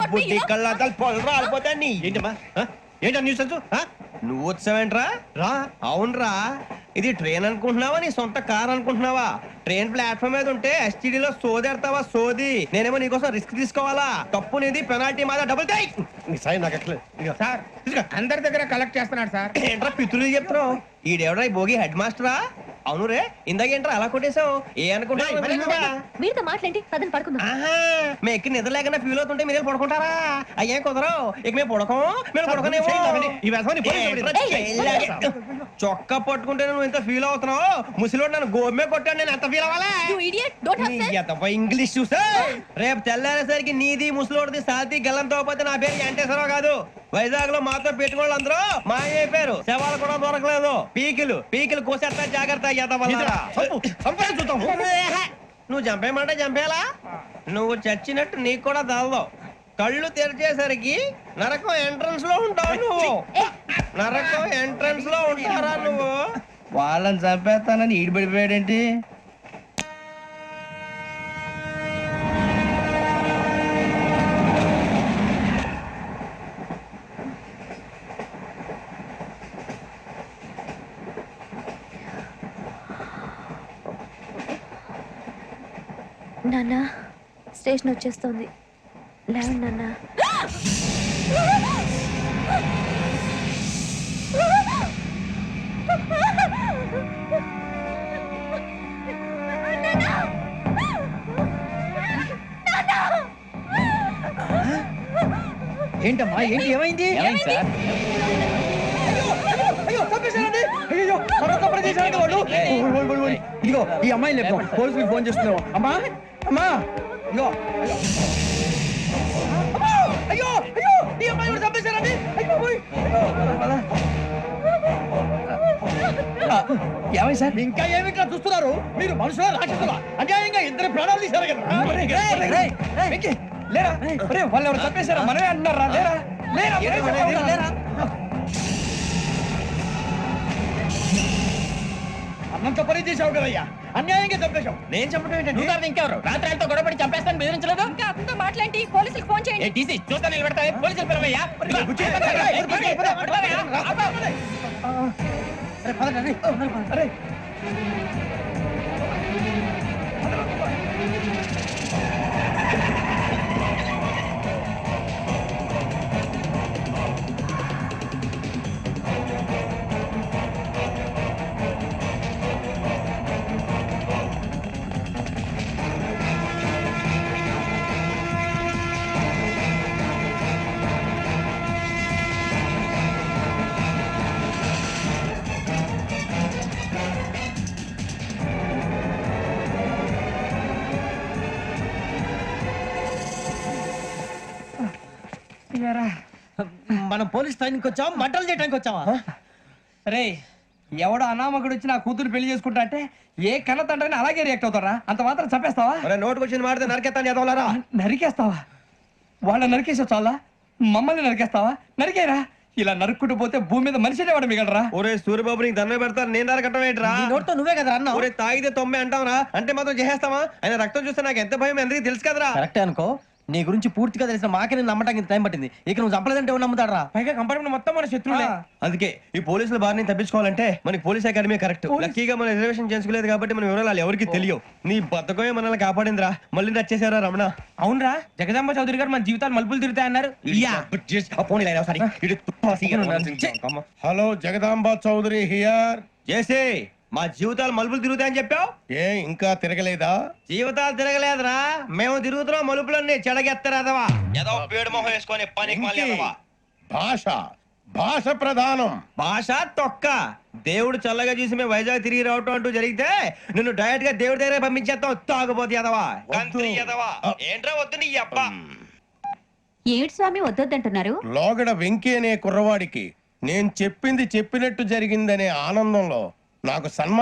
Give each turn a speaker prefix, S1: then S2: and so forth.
S1: బుద్ధి కళ్ళ పొలం రాలిపోతా నీ
S2: ఏంటమ్మా ఏంటా న్యూస్
S1: నువ్వు వచ్చావేంట్రా
S2: రా
S1: అవునరా ఇది ట్రైన్ అనుకుంటున్నావా నీ సొంత కార్ అనుకుంటున్నావా ట్రైన్ ప్లాట్ఫామ్ మీద ఉంటే ఎస్టీడీలో సోదేడతావా సోది నేనేమో నీకోసం రిస్క్ తీసుకోవాలా తప్పు నీది పెనాల్టీ మాదా డబుల్ టై
S2: నీ సాయి నాకు ఎక్కలేదు
S3: సార్ అందరి దగ్గర కలెక్ట్ చేస్తున్నాడు సార్.
S1: ఏంట్రా పితులు చెప్తున్నావు ఈడెవడ్రా ఈ భోగి హెడ్ మాస్టరా అవును రే ఇందాకేంట్రా అలా కొట్టేశావు ఏ అనుకుంటా
S4: మీరుతో మాట్లాడి పదని పడుకుందాం.
S1: మేము ఎక్కి నిద్ర లేకుండా ఫీల్ అవుతుంటే మీరు పడుకుంటారా అయ్యేం కుదరవు ఇక మేము పడకం మేము పడుకునేమో చొక్కా పట్టుకుంటే నువ్వు ఎంత ఫీల్ అవుతున్నావు ముసలివాడు నన్ను గోమే కొట్టాడు నేను ఎంత ఫీల్ అవ్వాలా ఇంగ్లీష్ చూసా రేపు తెల్లారేసరికి నీది ముసలివాడిది సాతి గల్లంతో పోతే నా పేరు వెంకటేశ్వరరావు కాదు వైజాగ్ లో మాతో పెట్టుకోళ్ళు అందరూ మాయైపోయారు శవాలు కూడా దొరకలేదు పీకిలు కోసేస్తా జాగ్రత్త నువ్వు చంపేయమంటే చంపేలా నువ్వు చచ్చినట్టు నీకు కూడా తగదు కళ్ళు తెరిచేసరికి నరకం ఎంట్రన్స్ లో ఉంటావు నువ్వు నరకం ఎంట్రన్స్ లో ఉంటారా నువ్వు
S3: వాళ్ళని చంపేస్తానని ఈడిపడిపోయాడేంటి?
S4: నాన్న స్టేషన్ వచ్చేస్తుంది లేవండి నాన్న.
S3: ఏంటమ్మా ఏంటి ఏమైంది? ఇదిగో ఈ అమ్మాయి లేదు పోలీసులకు ఫోన్ చేస్తున్నావు. అమ్మా అమ్మా ఇగో అయ్యో అయ్యో ఈ అమ్మాయి కూడా చంపేశారండి. ఏమై సార్ ఇంకా ఏమి ఇట్లా చూస్తున్నారు? మీరు మనుషుల రాక్షసులా అన్యాయంగా ఇద్దరు ప్రాణాలు తీశారు కదా. లేరా వాళ్ళు ఎవరు చంపేశారా? మనమే అంటున్నారా? లేరా అన్నంత పని చేసావు కదయ్యా, అన్యాయంగా చంపేశావు. నేను చెప్పడం ఏంటంటే ఇంకెవరు రాత్రితో గొడవపడి చంపేస్తాను బెదిరించలేదు.
S4: ఇంకా అతనితో మాట్లాడి పోలీసులకు ఫోన్ చేయండి.
S3: టీసీ చూస్తా నిలబెడతా పోలీసులు పిలవయ్యా. మనం పోలీస్ స్టేషన్కి వచ్చావా మంటలు చేయడానికి వచ్చావా? రే ఎవడో అనామకుడు వచ్చి నా కూతురు పెళ్లి చేసుకుంటా అంటే ఏ కన్న తండ్రిని అలాగే రియాక్ట్ అవుతారా? అంత మాత్రం చంపేస్తావా?
S1: నోటుకు వచ్చిన మాడితే నరికేస్తాను చదవాలరా.
S3: నరికేస్తావా? వాళ్ళని నరికేసావు చాలా, మమ్మల్ని నరికేస్తావా? నరికేరా. ఇలా నరుక్కుంటూ పోతే భూమి మీద మనిషినే వాడు మిగలరా.
S1: ఒరే సూర్యబాబు నీకు దండ పెడతాను నేను నరకటం ఏంట్రా?
S3: నోటితో నువ్వే కదా అన్నా.
S1: ఒరే తాగితే 90 అంటావరా అంటే మాత్రం చేసేస్తావా? ఆయన రక్తం చూస్తే నాకు ఎంత భయం అందరికీ తెలుసు కదరా.
S3: కరెక్టే అనుకో, నీ గురించి పూర్తిగా తెలిసిన మాకే నేను నమ్మటానికి టైం పట్టింది. ఇక నువ్వు చంపలేదంటే ఎవరు నమ్ముతాడరా? పైగా కంపార్ట్మెంట్ మొత్తం మన శత్రువులే.
S1: అందుకే ఈ పోలీసుల బారిని తప్పించుకోవాలంటే మనకి పోలీస్ అకాడమీ కరెక్ట్. లక్కీగా మనం రిజర్వేషన్ చేసుకోలేదు కాబట్టి మన వివరాలు ఎవరికి తెలియవు. నీ బతకమే మనల్ని కాపాడిందిరా. మళ్ళీ నచ్చేసారా రమణ?
S3: అవునరా, జగదాంబ చౌదరి గారు మన జీవితాలు మలుపులు తిరుగుతాయన్నారు.
S5: Hello Jagadamba Chowdary here.
S1: చేసే మా జీవితాలు మలుపులు తిరుగుతాయని చెప్పావు.
S5: ఏ ఇంకా తిరగలేదా?
S1: జీవితాలు తిరగలేదురా, మేము తిరుగుతున్నాం మలుపులన్నీ. చెడగెత్తరాదవా ఏదో పేడు మొహం వేసుకొని పనికి
S5: భాష భాష ప్రధానం.
S1: భాష తొక్క. దేవుడు చల్లగా చూసి మేము వైజాగ్ తిరిగి రావటం అంటూ జరిగితే నిన్ను డైరెక్ట్ గా దేవుడి దగ్గర పంపించేస్తాం. తాగబోతు ఎదవా కంత్రి ఎదవా. ఏంట్రా వద్దు నీ అబ్బా.
S4: ఏడు స్వామి వద్దొద్దంటున్నారు.
S5: లోగడ వెంకీ అనే కుర్రవాడికి నేను చెప్పింది చెప్పినట్టు జరిగిందనే ఆనందంలో నాకు సన్మానం